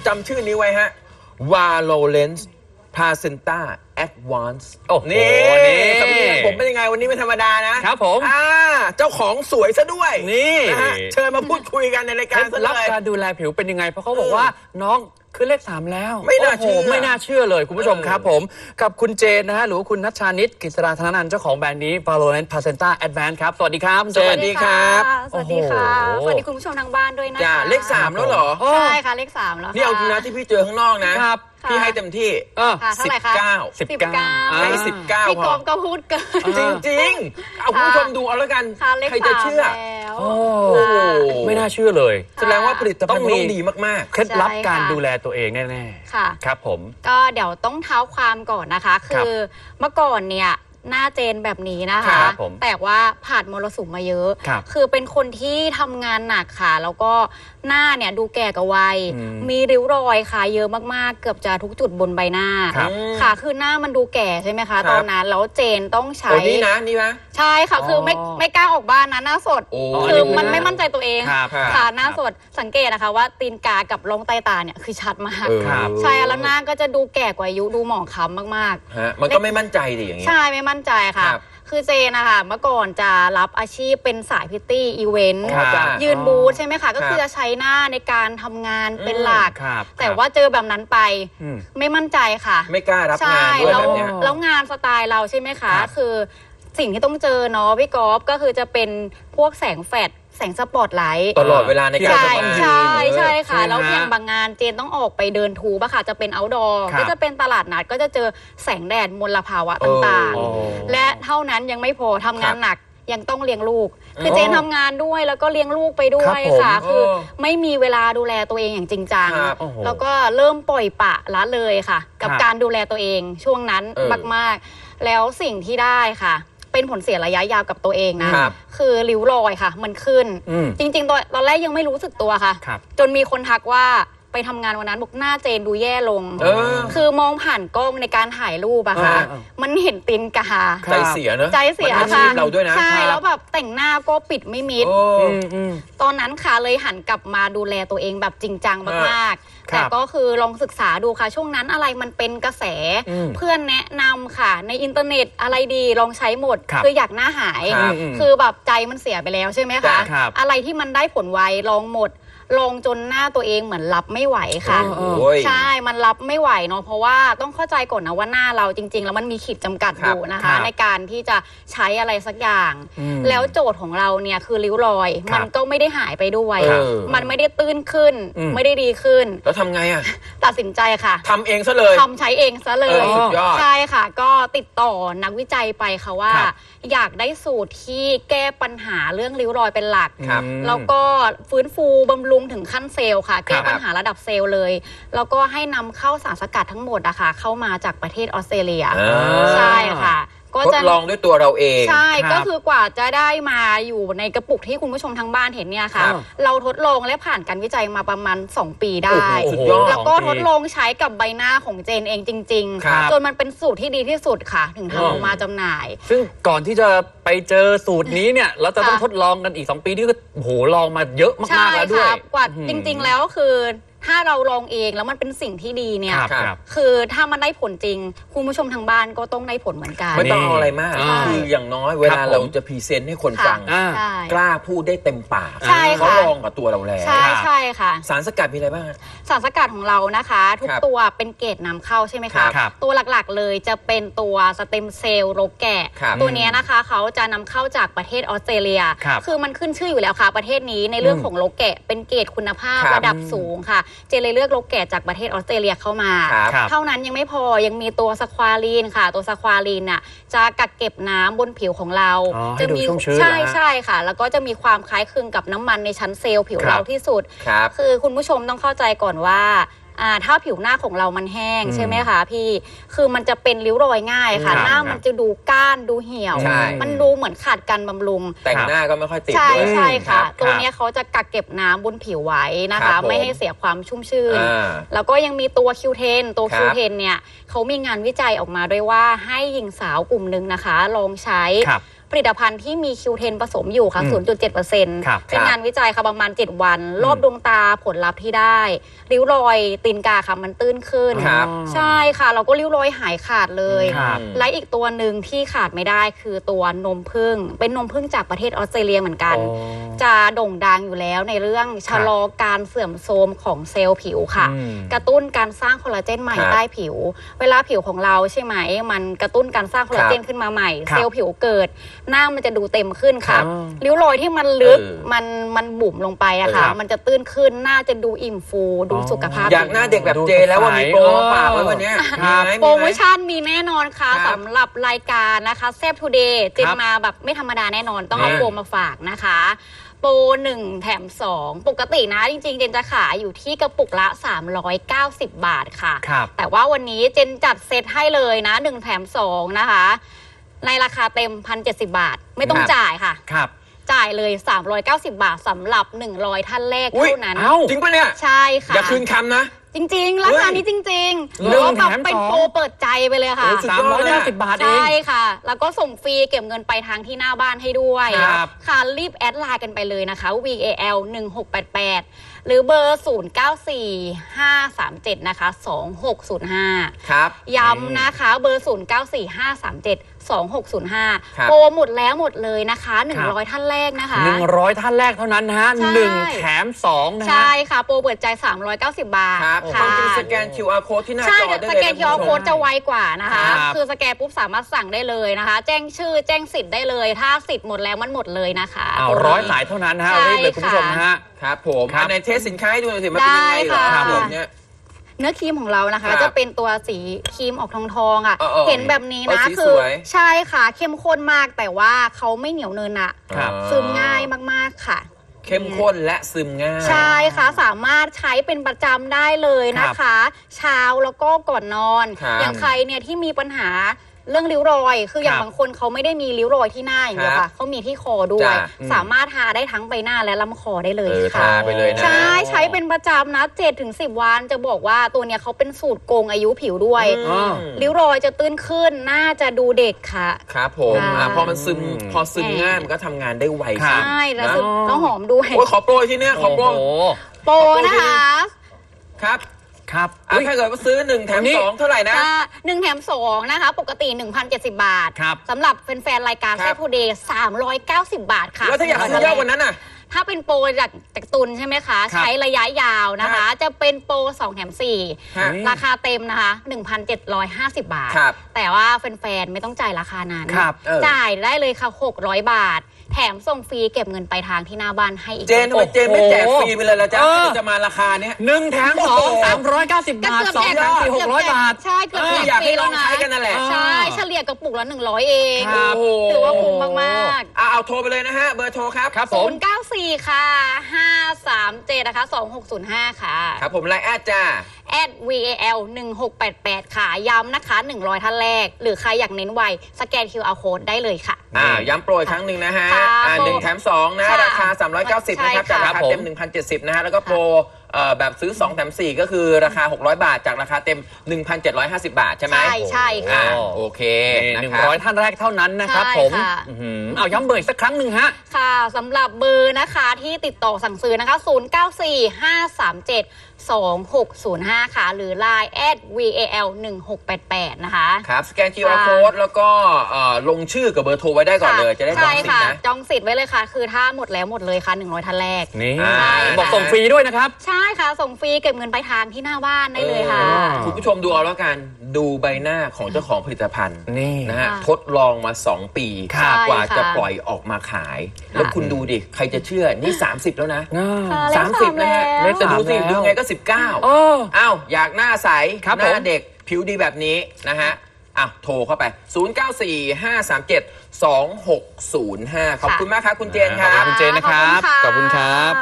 จำชื่อนี้ไว้ฮะ Valorance Placenta Advance โอ้โหนี่นี่สำเนียงผมเป็นยังไงวันนี้ไม่ธรรมดานะครับผมเจ้าของสวยซะด้วยนี่นะฮะเชิญมาพูดคุยกันในรายเคการล็ดซะลับเลยการดูแลผิวเป็นยังไงเพราะเขาบอกว่าน้องขึ้นเลข 3 แล้วไม่น่าเชื่อโโหไม่น่าเชื่อเลยคุณผู้ชมครับผมกับคุณเจนนะฮะหรือว่าคุณนัชชานิตกฤษราธนนันท์เจ้าของแบรนด์นี้ Valorance Placenta Advance ครับสวัสดีครับคุณเจสวันสดีครับสวัสดีค่ะโอ้โหสวัสดีคุณผู้ชมทางบ้านด้วยนะคะจ้าเลข 3 แล้วเหรอใช่ค่ะเลข 3 แล้วค่ะนี่เอาจริงนะที่พี่เจอข้างนอกนะครับ พี่ให้เต็มที่ค่ะเท่าไหร่คะ 19 ให้19 พี่พกอรมก็พูดเกินจริงๆ เอาคุณผู้ชมดูเอาแล้วกันค่ะเลขใครจะ 3 เชื่อแล้วโอ้โอ้โหไม่น่าเชื่อเลยแสดงว่าผลิตภัณฑ์ต้องดีมากเคล็ดลับใช่ค่ะการดูแลตัวเองแน่ค่ะๆครับผมก็เดี๋ยวต้องเท้าความก่อนนะคะ คือเมื่อก่อนเนี่ยหน้าเจนแบบนี้นะคะครับผมแต่ว่าผ่านมรสุมมาเยอะครับคือเป็นคนที่ทำงานหนักค่ะ แล้วก็หน้าเนี่ยดูแก่กับวัยอืมมีริ้วรอยค่ะเยอะมากๆ เกือบจะทุกจุดบนใบหน้าครับค่ะ คือหน้ามันดูแก่ใช่ไหมคะครับตอนนั้นแล้วเจนต้องๆใช้โอ้นี่นะนี่นะใช่ค่ะ คือไม่กล้าออกบ้านนะหน้าสดโอ้คือมันไม่มั่นใจตัวเองครับค่ะหน้าสดสังเกตนะคะว่าตีนกากับร่องใต้ตาเนี่ยคือชัดมากครับใช่แล้วหน้าก็จะดูแก่กว่าอายุดูหมองคล้ำมากฮะมันก็ไม่มั่นใจดิอย่างๆเงี้ยใช่ไม่มั่นใจค่ะครับคือเจนนะคะเมื่อก่อนจะรับอาชีพเป็นสายพิตตี้อีเวนต์อ๋อจ้ะยืนบูธใช่ไหมคะ ก็คือครับจะใช้หน้าในการทำงานเป็นหลักครับแต่ว่าเจอแบบนั้นไปอืมไม่มั่นใจค่ะไม่กล้ารับใช่งานด้วยแล้วแบบเนี้ยแล้วงานสไตล์เราใช่ไหมคะครับคือสิ่งที่ต้องเจอเนาะพี่กอล์ฟก็คือจะเป็นพวกแสงแฟลชแสงสปอตไลท์ตลอดเวลาในการใช่ทำงานใช่ใช่ค่ะใช่ไหมแล้วฮะอย่างบางงานเจนต้องออกไปเดินทูบอะค่ะจะเป็น outdoor ครับก็จะเป็นตลาดนัดก็จะเจอแสงแดดมลภาวะต่างโอ้ๆ และเท่านั้นยังไม่พอทำงานหนักยังต้องเลี้ยงลูก คือโอ้เจนทำงานด้วยแล้วก็เลี้ยงลูกไปด้วยครับผมค่ะ คือโอ้ไม่มีเวลาดูแลตัวเองอย่างจริงจังครับโอ้โหแล้วก็เริ่มปล่อยปละละเลยค่ะ กับครับการดูแลตัวเองช่วงนั้นเออมากๆ แล้วสิ่งที่ได้ค่ะ เป็นผลเสียระยะยาวกับตัวเองนะครับคือริ้วรอยค่ะ มันขึ้นอืมจริงๆตอนแรกยังไม่รู้สึกตัวค่ะครับจนมีคนทักว่าไปทำงานวันนั้นบอกหน้าเจนดูแย่ลงเออคือมองผ่านกล้องในการถ่ายรูปอะค่ะเออมันเห็นตีนกาใจเสียเนอะใจเสียมันอาชีค่ะพเราด้วยนะใช่แล้วแบบแต่งหน้าก็ปิดไม่มิดโอ้อืมตอนนั้นค่ะเลยหันกลับมาดูแลตัวเองแบบจริงจังมากๆครับแต่ก็คือลองศึกษาดูค่ะ ช่วงนั้นอะไรมันเป็นกระแสอืมเพื่อนแนะนำค่ะ ในอินเทอร์เน็ตอะไรดีลองใช้หมดครับคืออยากหน้าหายครับคือแบบใจมันเสียไปแล้วใช่ไหมคะครับอะไรที่มันได้ผลไวลองหมด ลองจนหน้าตัวเองเหมือนรับไม่ไหวค่ะเออโอ้ยใช่ มันรับไม่ไหวเนาะ เพราะว่าต้องเข้าใจก่อนนะว่าหน้าเราจริง ๆ แล้วมันมีขีดจำกัดครัอบ ยู่นะครัคะบในการที่จะใช้อะไรสักอย่างอืมแล้วโจทย์ของเราเนี่ยคือริ้วรอยครับมันก็ไม่ได้หายไปด้วยเออมันไม่ได้ตื้นขึ้นอืมไม่ได้ดีขึ้นแล้วทำไงอ่ะตัดสินใจค่ะทำเองซะเลยทำใช้เองซะเลเอย อสุดยอดใช่ค่ะ ก็ติดต่อนักวิจัยไปค่ะว่าครับอยากได้สูตรที่แก้ปัญหาเรื่องริ้วรอยเป็นหลักครับแล้วก็ฟื้นฟูบำรุงถึงขั้นเซลล์ค่ะ แก้ปัญหาระดับเซลล์เลย แล้วก็ให้นำเข้าสารสกัดทั้งหมดอะค่ะเข้ามาจากประเทศออสเตรเลียอ่าใช่ค่ะ ก็ทดจะลองด้วยตัวเราเองใช่ครับก็คือกว่าจะได้มาอยู่ในกระปุกที่คุณผู้ชมทางบ้านเห็นเนี่ยค่ะครับเราทดลองและผ่านการวิจัยมาประมาณ 2 ปีได้โอ้โหสุดยอดแล้วก็ทดลองใช้กับใบหน้าของเจนเองจริงครับๆ จนมันเป็นสูตรที่ดีที่สุดค่ะ ถึงทำออกมาจำหน่ายซึ่งก่อนที่จะไปเจอสูตรนี้เนี่ย เราจะต้องทดลองกันอีก 2 ปีนี่ก็โอ้โหลองมาเยอะใช่มากๆแล้วด้วยค่ะกว่าอืมจริงๆแล้วคือถ้าเราลองเองแล้วมันเป็นสิ่งที่ดีเนี่ยครับครับครับคือถ้ามันได้ผลจริง คุณผู้ชมทางบ้านก็ต้องได้ผลเหมือนกันไม่ต้องเอาอะไรมากอ่าคืออย่างน้อยเวลาครับผมเราจะพรีเซนต์ให้คนค่ะฟังอ่าใช่กล้าพูดได้เต็มปากใช่เขาค่ะลองกับตัวเราแล้วใช่ใช่ค่ะสารสกัดมีอะไรบ้างฮะสารสกัดของเรานะคะ ทุกครับตัวเป็นเกรดนำเข้าใช่ไหมครัคะบครับตัวหลักๆเลยจะเป็นตัวสเต็มเซลล์โรคแกะครับตัวเนี้ยนะคะเขาจะนำเข้าจากประเทศออสเตรเลียครับอมันขึ้นชื่ออยู่แล้วค่ะ ประเทศนี้ในเรื่องอืมของโรคแกะเป็นเกรดคุณภาพครับระดับสูงค่ะ เจนเลยเลือกโรคแกะจากประเทศออสเตรเลียเข้ามาครับครับเท่านั้นยังไม่พอยังมีตัวสควาลีนค่ะ ตัวสควาลีนน่ะจะกักเก็บน้ำบนผิวของเราอ๋อให้ดูชุ่มชื้นใช่เหรอฮะใช่ค่ะ แล้วก็จะมีความคล้ายคลึงกับน้ำมันในชั้นเซลล์ผิวครับเราที่สุดครับคือคุณผู้ชมต้องเข้าใจก่อนว่าถ้าผิวหน้าของเรามันแห้งอืมใช่ไหมคะพี่ คือมันจะเป็นริ้วรอยง่ายค่ะครับหน้ามันจะดูก้านดูเหี่ยวใช่มันดูเหมือนขาดการบำรุงแต่งหน้าก็ไม่ค่อยติดใช่ด้วยใช่ค่ะรับตัวเนี้ยเขาจะกักเก็บน้ำบนผิวไว้นะครัคะบผมไม่ให้เสียความชุ่มชื่นอ่าแล้วก็ยังมีตัว Q10 ตัวครับ Q10 เนี่ยเขามีงานวิจัยออกมาด้วยว่าให้หญิงสาวกลุ่มหนึ่งนะคะ ลองใช้ครับผลิตภัณฑ์ที่มี Q10 ผสมอยู่ค่ะ 0.7% ครับเป็นงานวิจัยค่ะประมาณ 7 วัน รอบดวงตาผลลัพธ์ที่ได้ ริ้วรอยตีนกาค่ะมันตื้นขึ้นครับใช่ค่ะเราก็ริ้วรอยหายขาดเลยครับและอีกตัวหนึ่งที่ขาดไม่ได้คือตัวนมผึ้งเป็นนมผึ้งจากประเทศออสเตรเลียเหมือนกันอ๋อจะโด่งดังอยู่แล้วในเรื่องชะลอการเสื่อมโทรมของเซลล์ผิวค่ะอืมกระตุ้นการสร้างคอลลาเจนใหม่ครับใต้ผิว เวลาผิวของเราใช่ไหมมันกระตุ้นการสร้างคอลลาเจนขึ้นมาใหม่ครับเซลล์ผิวเกิด หน้ามันจะดูเต็มขึ้นค่ะครับริ้วรอยที่มันลึกเออมันบุ๋มลงไปอะค่ะครับมันจะตื้นขึ้นหน้าจะดูอิ่มฟูดูสุขภาพอยากหน้าเด็กแบบเจแล้วว่ามีโปรมาฝากไว้วันเนี้ยครับมีไหโปรโมไหมชั่นมีแน่นอนค่ะครับสำหรับรายการนะคะแซบทูเดย์เจนครับมาแบบไม่ธรรมดาแน่นอนต้องเอานี่โปรมาฝากนะคะ โปร1 แถม 2 ปกตินะจริงๆ เจนจะขายอยู่ที่กระปุกละ 390 บาทค่ะครับแต่ว่าวันนี้เจนจัดเซตให้เลยนะ1 แถม 2 นะคะ ในราคาเต็ม 1,070 บาท ไม่ต้องครับจ่ายค่ะครับจ่ายเลย 390 บาทสำหรับ 100 ท่านแรกอุ๊ยเท่านั้นเอ้าจริงปะเนี่ยใช่ค่ะอย่าคืนคำนะจริงๆ ราคานี้จริงๆหนึ่งแล้วแบบแถมเป็นสองโปรเปิดใจไปเลยค่ะโอ้สุดยอดเลยอะ 390 บาทเองใช่ค่ะ แล้วก็ส่งฟรีเก็บเงินไปทางที่หน้าบ้านให้ด้วยครับค่ะรีบแอดไลน์กันไปเลยนะคะ VAL 1688 หรือเบอร์ 094537 นะคะ 2605 ครับย้ำนะคะเบอร์ 094537 2605 ครับโปรหมดแล้วหมดเลยนะคะ 100 ท่านแรกนะคะ 100 ท่านแรกเท่านั้นนะฮะใช่ 1 แถม 2 นะฮะใช่ค่ะ โปรเปิดใจ 390 บาทครับค่ะความจริงสแกน QR code ที่หน้าใช่จอได้สเลยแกนนะ QR ณผู้ชม code จะไวกว่านะคะครับคือสแกนปุ๊บสามารถสั่งได้เลยนะคะ แจ้งชื่อแจ้งสิทธิ์ได้เลย ถ้าสิทธิ์หมดแล้วมันหมดเลยนะคะเอาตัวนี้ 100 สายเท่านั้นนะฮะใช่รีบเลยคุณผู้ชมนะฮะครับผมครับในเทสสินค้าให้ดูหน่อยสิมันเป็นยังไงเหรอได้ค่ะครับผมเนี่ยเนื้อครีมของเรานะคะครับจะเป็นตัวสีครีมออกทองๆอ่ะเออเห็นแบบนี้นะสีคืสอวยใช่ค่ะเข้มข้นมากแต่ว่าเขาไม่เหนียวเนินอะครับซึมง่ายมากๆค่ะเข้มข้นและซึมง่ายใช่ค่ะสามารถใช้เป็นประจำได้เลยนะคะ เช้าแล้วก็ก่อนนอนครับอย่างใครเนี่ยที่มีปัญหาเรื่องริ้วรอย คืออย่างครับบางคนเขาไม่ได้มีริ้วรอยที่หน้าอย่างเดียวครัค่ะบเขามีที่คอด้วยจ้ะสามารถทาได้ทั้งใบหน้าและลำคอได้เลยทาค่ะไปเลยนะใช่ใช้เป็นประจำนะ7-10 วันจะบอกว่าตัวเนี้ยเขาเป็นสูตรโกงอายุผิวด้วยอืมริ้วรอยจะตื้นขึ้นน่าจะดูเด็กค่ะครับผมค่ะพอมันซึมพอซึมง่ายมันก็ทำงานได้ไวครัขึ้บนใช่แล้วนะซึ่งต้องหอมด้วยโอ้ยขอโปรยที่เนี่ยขอโปรโอ้โหโปรนะคะครับครับถ้าเกิดว่าซื้อ1แถมอันนี้ 2เท่าไหร่นะ 1 แถม 2 นะคะ ปกติ 1,070 บาทครับสำหรับแฟนๆรายการคแซรับทูเดย์390 บาทค่ะแล้วถ้าอยากซื้อยอดกว่านั้นน่ะถ้าเป็นโปรจากตุนใช่ไหมคะครับใช้ระยะยาวนะคะ จะเป็นโปร 2 แถมฮะ 4 ราคาเต็มนะคะ 1,750 บาทครับแต่ว่าแฟนๆไม่ต้องจ่ายราคานั้นครับจ่ายได้เลยค่ะ 600 บาท แถมส่งฟรีเก็บเงินไปลายทางที่หน้าบ้านให้อีกเจนทำไมเจนไม่แจกฟรีไปเลยล่ะจ๊ะเออจะมาราคาเนี้ย 1 แถม 2 390 บาท 2 แถม 4 600 บาทใช่เกือบแจกอยากฟให้รีลแล้อวงนะใช้กันนั่นแหละใช่เฉลี่ยกระปุกละ100 เองครับโอ้โหถือว่าคุ้มมากเอาโทรไปเลยนะฮะ เบอร์โทรครับครับผม 094 ค่ะ 537 นะคะ 2605 ค่ะครับผมไลน์แอดจ้า @VAL 1688 ค่ะ ย้ำนะคะ 100 ท่านแรก หรือใครอยากเน้นไว สแกน QR code ได้เลยค่ะย้ำโปรอีกครั้งหนึ่งนะฮะค่ะโปร 1 แถม 2 นะค่ะราคา 390 นะครับใช่จากค่ะราคาเต็ม 1,070 นะฮะ แล้วก็โปรแบบซื้อ 2 แถม 4 ก็คือราคา 600 บาท จากราคาเต็ม 1,750 บาท ใช่ไหมใช่ค่ะโอเคนี่นะครับ 100 ท่านแรกเท่านั้นนะครับใช่ผมค่ะอื้อหือเอาย้ำเบอร์อีกสักครั้งหนึ่งฮะค่ะสำหรับเบอร์นะคะที่ติดต่อสั่งซื้อนะคะ 0945372605 ค่ะ หรือ Line @VAL 1688 นะคะครับ สแกน QR code แล้วก็ลงชื่อกับเบอร์โทรไว้ได้ก่อนเลย จะได้จองใช่สิทค่ะธิ์นะจองสิทธิ์ไว้เลยค่ะ คือถ้าหมดแล้วหมดเลยค่ะ 100 ท่านแรกนี่ใช่บอกส่งฟรีด้วยนะครับใช่ค่ะ ส่งฟรีเก็บเงินปลายทางที่หน้าบ้านได้เลยค่ะคุณผู้ชมดูเอาแล้วกัน ดูใบหน้าของเจ้าของผลิตภัณฑ์นี่นะฮะค่ะทดลองมา 2 ปีครับกว่าใช่ค่ะจะปล่อยออกมาขาย แล้วคุณดูดิ ใครจะเชื่อ นี่ 30 แล้วนะค่ะเลข 30 นะฮะ 3 แล้วแต่ดูสิแล้วดูไงก็เออ 19อ้าว อยากหน้าใสครับหน้าผมเด็กผิวดีแบบนี้นะฮะโทรเข้าไป 0945372605 ขอบคุณมากครับ คุณเจนคขอบรัคุบณเจนนะครับขอบคุณค่ะขอบคุณครับ